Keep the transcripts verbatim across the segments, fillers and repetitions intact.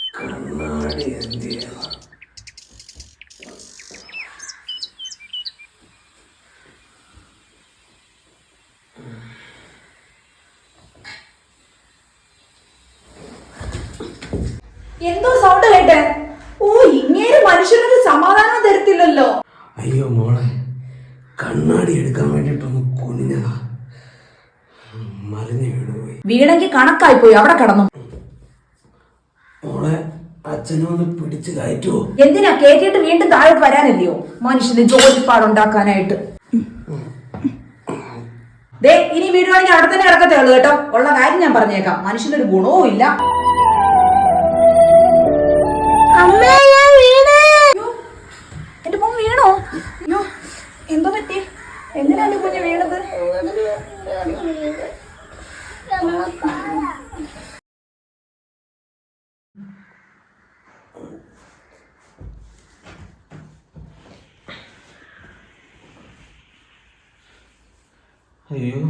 കണ്ണാടി എന്തിയ എന്തോ സൗണ്ട് കേട്ടെ? ഓ, ഇങ്ങനെ മനുഷ്യനൊരു സമാധാനം തരത്തില്ലല്ലോ. അയ്യോ മോളെ, കണ്ണാടി എടുക്കാൻ വേണ്ടിട്ടൊന്ന് കുനിഞ്ഞതാ, മറിഞ്ഞു വീണുപോയി. വീണെങ്കിൽ കണക്കായി പോയി, അവിടെ കടന്നു. മോളെ, അച്ഛനൊന്ന് പിടിച്ച് കയറ്റുവോ? എന്തിനാ? കേട്ടിട്ട് വീണ്ടും താഴോട്ട് വരാനല്ലയോ മനുഷ്യന് ജോലിപ്പാടുണ്ടാക്കാനായിട്ട്. ദേ, ഇനി വീടുവാണെങ്കിൽ അവിടെ തന്നെ കിടക്കത്തേ ഉള്ളൂ കേട്ടോ. ഉള്ള കാര്യം ഞാൻ പറഞ്ഞേക്കാം, മനുഷ്യനൊരു ഗുണവും ഇല്ല. എന്റെ മോൻ വീണോ? അയ്യോ, എന്തോ പറ്റി? എന്തിനാ എന്റെ കുഞ്ഞ് വീണത്? അയ്യോ,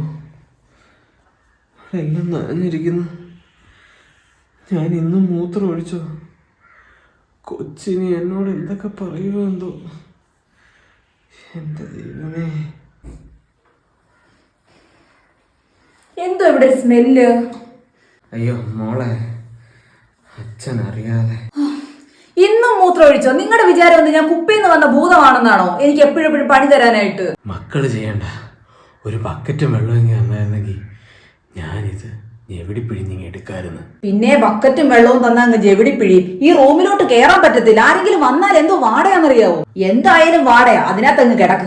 എല്ലാം നനഞ്ഞിരിക്കുന്നു. ഞാൻ ഇന്നും മൂത്രം ഒഴിച്ചോ? കൊച്ചിനി എന്നോട് എന്തൊക്കെ പറയുമോ എന്തോ. എന്റെ ദൈവമേ, എന്തോ ഇവിടെ സ്മെല്ല്? അയ്യോ മോളെ, അച്ഛൻ അറിയാതെ. ഇന്നും മൂത്രം ഒഴിച്ചോ? നിങ്ങളുടെ വിചാരം ഒന്ന് ഞാൻ കുപ്പിന്ന് വന്ന ഭൂതമാണെന്നാണോ എനിക്ക് എപ്പോഴും എപ്പോഴും പണി തരാനായിട്ട്? മക്കള് ചെയ്യണ്ട, ഒരു ബക്കറ്റും വെള്ളമെങ്കിൽ വന്നായിരുന്നെങ്കിൽ ഞാനിത് എവിടെ പിഴിഞ്ഞിങ്ങി എടുക്കായിരുന്നു. പിന്നെ ബക്കറ്റും വെള്ളവും തന്നാ അങ്ങ് ജെവിടി പിഴിയും. ഈ റൂമിലോട്ട് കേറാൻ പറ്റത്തില്ല. ആരെങ്കിലും വന്നാൽ എന്തോ വാടയാന്നറിയാവോ? എന്തായാലും വാടയാ, അതിനകത്ത് അങ്ങ് കിടക്ക്.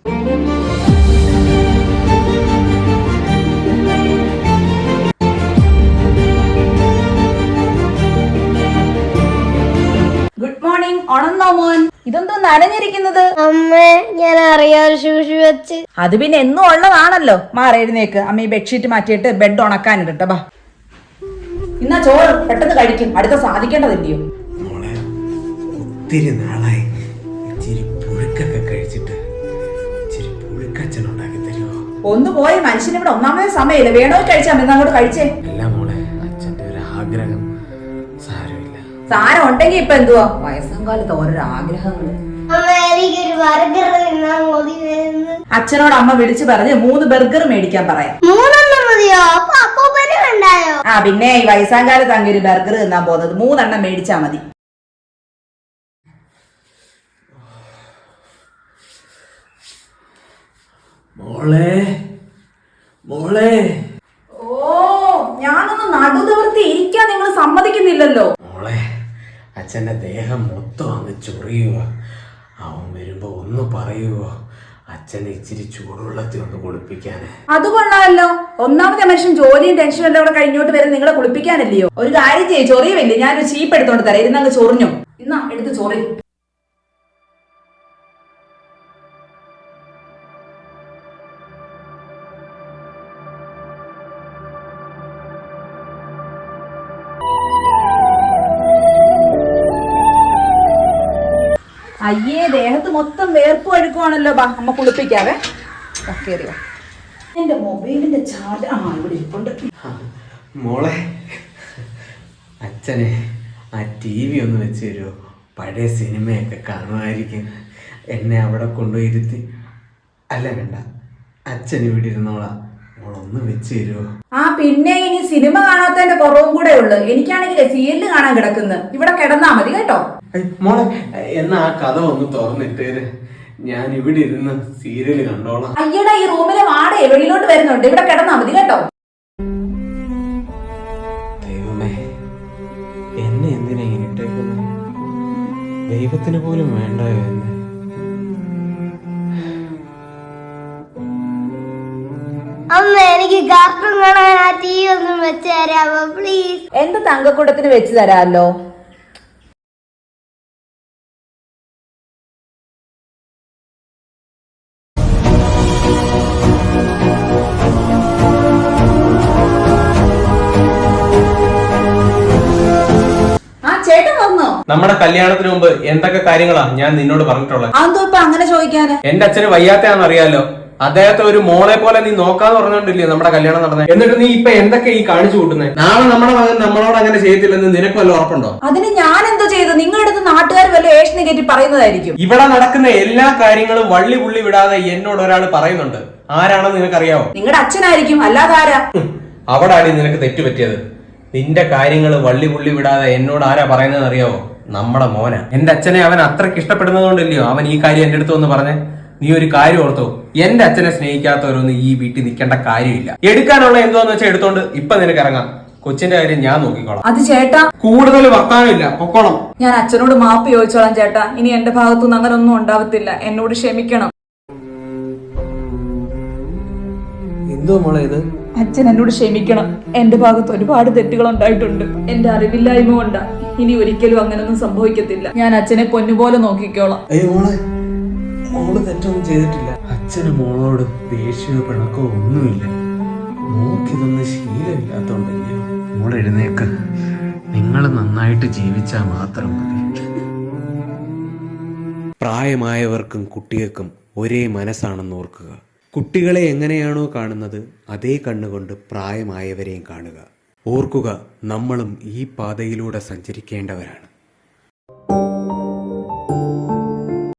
Good morning. ഉണന്നോ മോൻ? ഇതെന്തോ നനഞ്ഞിരിക്കുന്നത്? അമ്മേ, ഞാൻ അറിയാതെ ശൂഷി വെച്ച്. അത് പിന്നെ എന്നും ഉള്ളതാണല്ലോ. മാറി എഴുന്നേക്ക്, അമ്മ ഈ ബെഡ്ഷീറ്റ് മാറ്റിയിട്ട് ബെഡ് ഉണക്കാനിട്ടോ. ബാ, ഇന്നാ ചോറ് പെട്ടെന്ന് കഴിക്കും, അടുത്ത സാധിക്കേണ്ടതില്ലയോ? മോളെ, ഒത്തിരി നാളായി ഇച്ചിരി പുഴുക്കൊക്കെ കഴിച്ചിട്ട്. ഇച്ചിരി പുഴുക്കച്ഛൻ ഉണ്ടാക്കി തരുമോ? ഒന്ന് പോയ മനുഷ്യന് ഇവിടെ ഒന്നാമത് സമയമില്ല. വേണോ കഴിച്ചാൽ മതി, അങ്ങോട്ട് കഴിച്ചേ. അല്ല മോളെ, അച്ഛന്റെ ഒരു ആഗ്രഹം. സാരമില്ല. സാരം ഉണ്ടെങ്കി ഇപ്പൊ എന്തുവാ, വയസ്സാം കാലത്ത് ഓരോരോ ആഗ്രഹങ്ങള്. അച്ഛനോട് അമ്മ വിളിച്ചു പറഞ്ഞ് മൂന്ന് ബർഗർ മേടിക്കാൻ പറയാം. മൂന്നെണ്ണം മതിയോ? അപ്പൊ അപ്പൂപ്പന് വേണ്ടായോ? ആ പിന്നെ ഈ വയസ്സാം കാലത്ത് അങ്ങനെ ഒരു ബർഗർ തിന്നാൻ പോകുന്നത്, മൂന്നെണ്ണം മേടിച്ചാ മതി. മോളെ മോളെ ഓ, ഞാനൊന്ന് നടുനിവർത്തി ഇരിക്കാൻ നിങ്ങൾ സമ്മതിക്കുന്നില്ലല്ലോ. മോളെ, അച്ഛന്റെ ദേഹം മൊത്തം അങ്ങ് ചൊറിയുക. അവൻ വരുമ്പോ ഒന്ന് പറയുവോ? അച്ഛനെ ഇച്ചിരി ചൂടുവെള്ളത്തിൽ ഒന്ന് കുളിപ്പിക്കാന്. അത് കൊള്ളാമല്ലോ. ഒന്നാമത്തെ മനുഷ്യൻ ജോലിയും ടെൻഷനും എല്ലാം കൂടെ കഴിഞ്ഞോട്ട് വരെ നിങ്ങളെ കുളിപ്പിക്കാനല്ലയോ? ഒരു കാര്യം ചെയ്യ്, ചൊറിയുമില്ലേ? ഞാനൊരു ചീപ്പ് എടുത്തോണ്ട് തരാം, ഇരുന്നങ്ങ് ചൊറിഞ്ഞു. ഇന്നാ എടുത്ത് ചൊറി. അയ്യേ, ദേഹത്ത് മൊത്തം വേർപ്പ് ഒഴുക്കുവാണല്ലോ. ബാ, അമ്മ കുളിപ്പിക്കാവേ. കയറിയോ? എന്റെ മൊബൈലിന്റെ ചാർജ് ആ ഇവിടെ ഇരിപ്പുണ്ട്. മോളെ, അച്ഛനെ ആ ടി വി ഒന്ന് വെച്ച് തരുമോ? പഴയ സിനിമയൊക്കെ കാണുമായിരിക്കും. എന്നെ അവിടെ കൊണ്ടുപോയിരുത്തി. അല്ല വേണ്ട, അച്ഛൻ ഇവിടെ ഇരുന്നോളാം. മോളൊന്ന് വെച്ച് തരുമോ? ആ പിന്നെ ഇനി സിനിമ കാണാത്തതിന്റെ കുറവും കൂടെ ഉള്ളു. എനിക്കാണെങ്കിൽ സീരിയല് കാണാൻ കിടക്കുന്നു. ഇവിടെ കിടന്നാ മതി കേട്ടോ. മോളെ, എന്നാ ആ കഥ ഒന്ന് തുറന്നിട്ടേര്, ഞാൻ ഇവിടെ ഇരുന്ന് സീരിയല് കണ്ടോളാം. അയ്യടാ, ഈ റൂമിലെ വാടേ വെളിയിലോട്ട് വരുന്നുണ്ട്. ഇവിടെ കിടന്നാ മതി കേട്ടോ. ദൈവമേ, എന്നെ എന്തിനാ ഇങ്ങനെ ഇട്ടേക്കുന്നത്? ദൈവത്തിന് പോലും വേണ്ടായോ എന്നെ? അമ്മ, എനിക്ക് കാർട്ടൂൺ കാണാൻ ആ ടി വി ഒന്നും വെച്ച് തരാമോ പ്ലീസ്? എന്റെ തങ്കക്കൂടത്തിന് വെച്ച് തരാമല്ലോ. നമ്മുടെ കല്യാണത്തിന് മുമ്പ് എന്തൊക്കെ കാര്യങ്ങളാ ഞാൻ നിന്നോട് പറഞ്ഞിട്ടുള്ളത്? അതെന്തോ ഇപ്പൊ അങ്ങനെ ചോദിക്കാന്? എന്റെ അച്ഛന് വയ്യാത്തയാന്ന് അറിയാലോ. അദ്ദേഹത്തെ ഒരു മോളെ പോലെ നീ നോക്കാന്ന് പറഞ്ഞോണ്ടില്ലേ നമ്മുടെ കല്യാണം നടന്നത്. എന്നിട്ട് നീ ഇപ്പൊ എന്തൊക്കെ ഈ കാണിച്ചു കൂട്ടുന്നത്? നാളെ നമ്മുടെ മകൻ നമ്മളോട് അങ്ങനെ ചെയ്യത്തില്ലെന്ന് നിനക്ക് വല്ല ഉറപ്പുണ്ടോ? അതിന് ഞാൻ എന്തോ ചെയ്തു? നിങ്ങളുടെ അടുത്ത് നാട്ടുകാർ വല്ല ഏഷനെ കയറ്റി പറയുന്നതായിരിക്കും. ഇവിടെ നടക്കുന്ന എല്ലാ കാര്യങ്ങളും വള്ളി പുള്ളി വിടാതെ എന്നോട് ഒരാൾ പറയുന്നുണ്ട്. ആരാണെന്ന് നിനക്കറിയാവോ? നിങ്ങളുടെ അച്ഛനായിരിക്കും, അല്ലാതെ ആരാ? അവിടാണ് നിനക്ക് തെറ്റുപറ്റിയത്. നിന്റെ കാര്യങ്ങൾ വള്ളി പുള്ളി വിടാതെ എന്നോട് ആരാ പറയുന്നത് അറിയാവോ? നമ്മുടെ മോന. എന്റെ അച്ഛനെ അവൻ അത്രയ്ക്ക് ഇഷ്ടപ്പെടുന്നതുകൊണ്ടല്ലയോ അവൻ ഈ കാര്യം എന്റെ അടുത്ത് വന്ന് പറഞ്ഞേ. നീ ഒരു കാര്യം ഓർത്തോ, എന്റെ അച്ഛനെ സ്നേഹിക്കാത്തവരൊന്നും ഈ വീട്ടിൽ നിൽക്കേണ്ട കാര്യമില്ല. എടുക്കാനുള്ള എന്തോന്ന് വെച്ചാൽ എടുത്തോണ്ട് ഇപ്പൊ നിനക്ക് ഇറങ്ങാം. കൊച്ചിന്റെ കാര്യം ഞാൻ നോക്കിക്കോളാം. അത് ചേട്ടാ, കൂടുതൽ വർത്താനമില്ല, പൊക്കോളം. ഞാൻ അച്ഛനോട് മാപ്പ് ചോദിച്ചോളാം ചേട്ടാ. ഇനി എന്റെ ഭാഗത്തുനിന്ന് അങ്ങനെ ഒന്നും ഉണ്ടാവത്തില്ല. എന്നോട് ക്ഷമിക്കണം. എന്തോ മോളെ ഇത്? അച്ഛൻ എന്നോട് ക്ഷമിക്കണം. എന്റെ ഭാഗത്ത് ഒരുപാട് തെറ്റുകൾ ഉണ്ടായിട്ടുണ്ട്. എന്റെ അറിവില്ലായ്മ കൊണ്ടാ. ഇനി ഒരിക്കലും അങ്ങനൊന്നും സംഭവിക്കത്തില്ല. ഞാൻ അച്ഛനെ പൊന്നുപോലെ നോക്കിക്കോളാം. അയ്യോ മോളെ, മോള് തെറ്റൊന്നും ചെയ്തിട്ടില്ല. അച്ഛന് മോളോട് ദേഷ്യമോ പിണക്കോ ഒന്നുമില്ല. മോക്കിതൊന്നും ശീലമില്ലാത്തോണ്ടല്ലേ. മോൾ എഴുന്നേക്ക്. നിങ്ങൾ നന്നായിട്ട് ജീവിച്ചാൽ മാത്രം മതി. പ്രായമായവർക്കും കുട്ടികൾക്കും ഒരേ മനസ്സാണെന്ന് ഓർക്കുക. കുട്ടികളെ എങ്ങനെയാണോ കാണുന്നത് അതേ കണ്ണുകൊണ്ട് പ്രായമായവരെയും കാണുക. ഓർക്കുക, നമ്മളും ഈ പാതയിലൂടെ സഞ്ചരിക്കേണ്ടവരാണ്.